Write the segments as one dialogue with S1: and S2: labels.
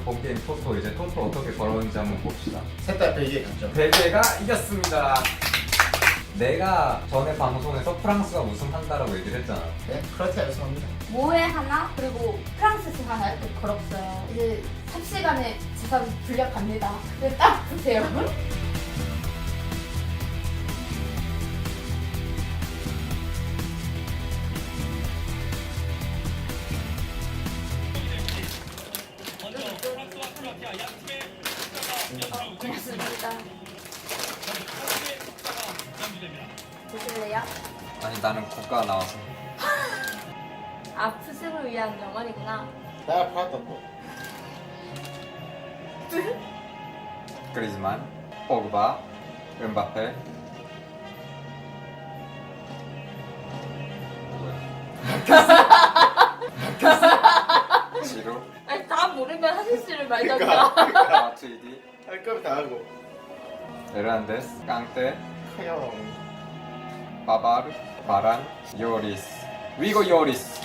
S1: 본게임 토토. 이제 토토 어떻게 걸었는지 한번 봅시다.
S2: 셋다 베개 갔죠.
S1: 벨기에가 이겼습니다. 내가 전에 방송에서 프랑스가 우승한다라고 얘기를 했잖아.
S2: 네, 크로아티아 우승합니다.
S3: 모에 하나 그리고 프랑스스 하나 이렇게 걸었어요. 이제 삽시간에 재산 분략합니다. 근데 딱 보세요. 고맙습니다. 보실래요?
S1: 아니 나는 국가 나와서.
S3: 아프심을 위한 영원이구나.
S2: 나 파았다 또.
S1: 그리즈만, 포그바, 음바페. 지루,
S3: 아니 다 모르면 하실지를
S2: 그러니까.
S3: 말던가.
S1: 마트이디,
S2: 할 거면 다 하고.
S1: 에란데스, 깡테,
S2: 커요.
S1: 바바르, 바란, 요리스. 위고 요리스.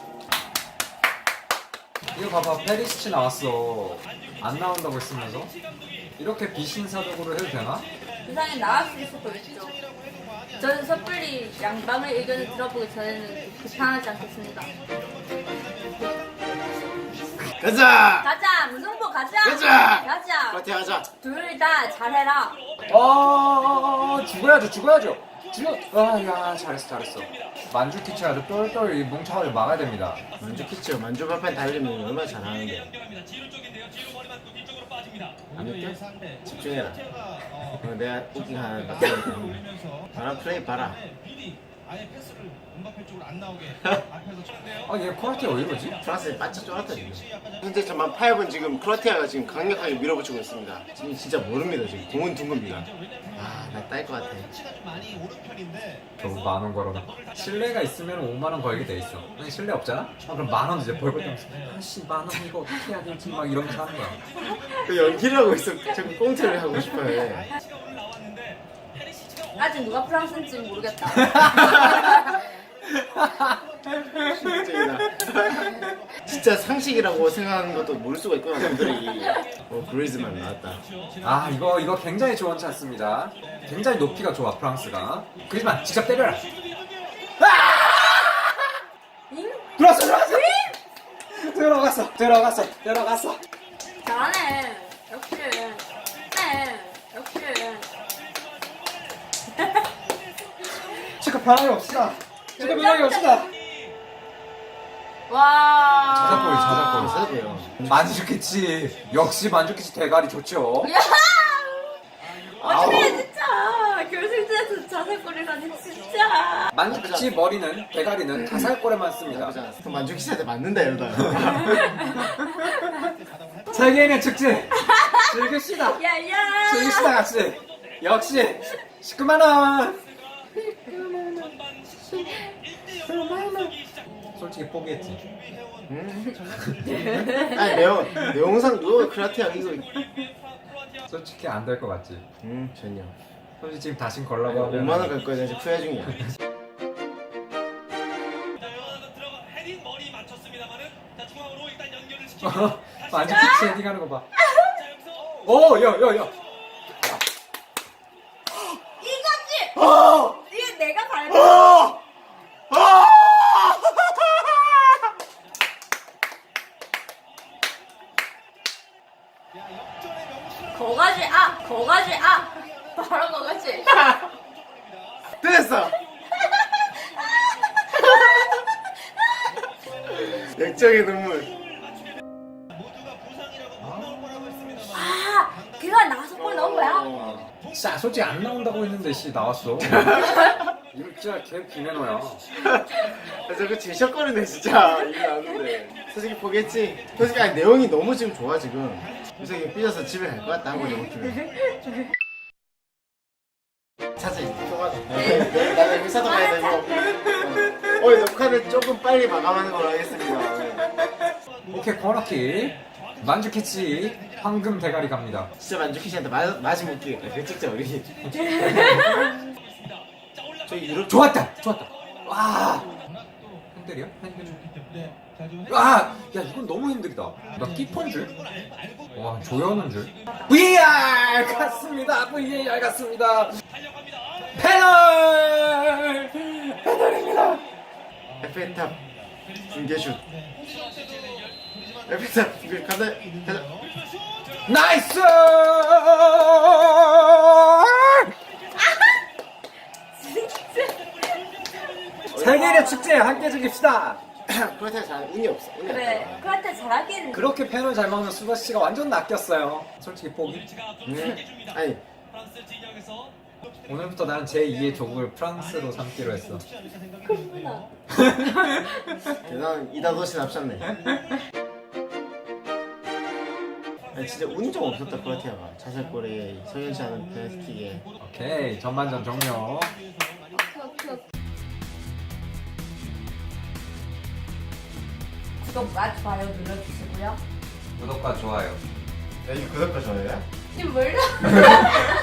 S1: 이거 봐봐, 페리시치 나왔어. 안 나온다고 했으면서 이렇게 비신사적으로 해도 되나?
S3: 세상에 나왔을 수도 있죠. 저는 섣불리 양방의 의견을 들어보기 전에는 비판하지 않겠습니다.
S2: 가자.
S3: 가자! 무승부 가자!
S2: 가자!
S3: 가자!
S2: 크로아티아 가자.
S3: 둘 다 잘해라.
S1: 죽어야죠, 죽어야죠. 야, 잘했어. 만주키치 아주 똘똘 이 뭉쳐가지고 막아야 됩니다.
S2: 만주키치요. 만주바펜 달리면 얼마나 잘하는데. 안 웃겨? 집중해라. 내가 웃긴 거 하나 봤거든. 바람 플레이 봐라.
S4: 아예 패스를 음바페 쪽으로 안 나오게 앞에서 쳤는데요.
S1: 얘 코르티아 왜 이러지?
S2: 프랑스에 빠져 쫄았다 지금. 현재 전반 8분 지금 크로아티아가 지금 강력하게 밀어붙이고 있습니다. 지금 진짜 모릅니다 지금. 공은 둥겁니다. 나 딸 것 같아.
S4: 치가 좀 많이 오른 편인데
S1: 너무 만원 걸어놔. 신뢰가 있으면 5만원 걸게 돼 있어. 근데 신뢰 없잖아? 그럼 만원 이제 벌벌 떨면서 아씨 만원 이거 어떻게 해야 될지 막 이러면서 하는 거야.
S2: 그 연기를 하고 있어. 자꾸 꽁트를 하고 싶어해.
S4: 치가 오늘 나왔는데 페리시치가
S3: 아직 누가 프랑스인지 모르겠다.
S2: 진짜 상식이라고 생각하는 것도 모를 수가 있구나 사람들이. 그리즈만 나왔다.
S1: 이거 굉장히 좋은 찬스입니다. 굉장히 높이가 좋아 프랑스가. 그렇지만 직접 때려라. 들어갔어.
S3: 잘하네. 역시. 네. 역시.
S1: 체크 변함이 없시다.
S3: 와.
S1: 자작골.
S2: 사도요.
S1: 만주키치 역시 만주키치 대가리 좋죠.
S3: 야! 어떻게 진짜 결승전에서 자살골이라니 진짜.
S1: 만주키치 머리는 대가리는 자살골에만 씁니다.
S2: 나쁘지 않았어. 그럼 만주키치한테 맞는다 이러다.
S1: 세계인의 축제 즐깁시다.
S3: 야야.
S1: 즐깁시다 같이. 역시 19만원. 솔직히 포기했지.
S2: 아니 내용상 누가 크로아티아 이거.
S1: 솔직히 안 될 것 같지.
S2: 전혀.
S1: 솔직히 지금 다신 걸라고 하면
S2: 5만 원 갈 거야. 나 지금 후회 중이야.
S4: 들어가 헤딩 머리 맞췄습니다만은 자 중앙으로 일단 연결을 시키고
S1: 만주키치 헤딩하는 거 봐.
S4: 자 여기서
S1: 야.
S3: 이거지. 이게 내가 밟은. 거가지. 바로 거가지.
S2: 됐어. 역적의 눈물.
S4: 모두가 부상이라고 못 나올 거라고 했습니다.
S3: 걔가 나와서 골 넣은 거야?
S1: 자, 솔직히 안 나온다고 했는데 씨 나왔어. 이거 진짜 걔 비매너야.
S2: 저거 제셔거리네 진짜. 이거 나왔는데. 솔직히 포기했지. 솔직히 아니, 내용이 너무 지금 좋아 지금. 그래서 이거 삐져서 집에 갈 것 같다 한 거지 못하면. 사실 통화도. 나는 회사도 가야 되고. 녹화는 조금 빨리 마감하는 걸로 하겠습니다.
S1: 오케이 코너킥. 만주키치 황금 대가리 갑니다.
S2: 진짜 만주키씨한테 마지 못 끼겠다. 그 찍자 우리. 저희 유럽
S1: 좋았다. 와. 핸들이야? 핸들. 아! 야 이건 너무 힘들다. 나 키퍼인 줄? 와 조연인 줄? VAR 갔습니다. VAR 갔습니다. 패널! 패널입니다.
S2: 에펠탑 중계슛. 에펠탑 중계 간다. 가자.
S1: 나이스! 세계의 축제에 함께 즐깁시다.
S2: 그렇다고 잘 운이 없어. 운이
S3: 그래
S2: 없다.
S3: 그한테 잘하긴
S1: 그렇게 패널 잘 먹는 수바 씨가 완전 낚였어요. 솔직히 포기.
S2: 아니
S1: 오늘부터 나는 제2의 조국을 프랑스로 삼기로 했어.
S3: 그렇구나.
S2: 대단한 이다도시 납셨네. 아니 진짜 운이 좀 없었다 크로아티아가. 자살골에 성현씨 하는 페널티킥에.
S1: 오케이 전반전 종료.
S3: 구독과 좋아요 눌러주시고요.
S1: 구독과 좋아요.
S2: 야 이거 구독과 좋아요야?
S3: 지금 몰라?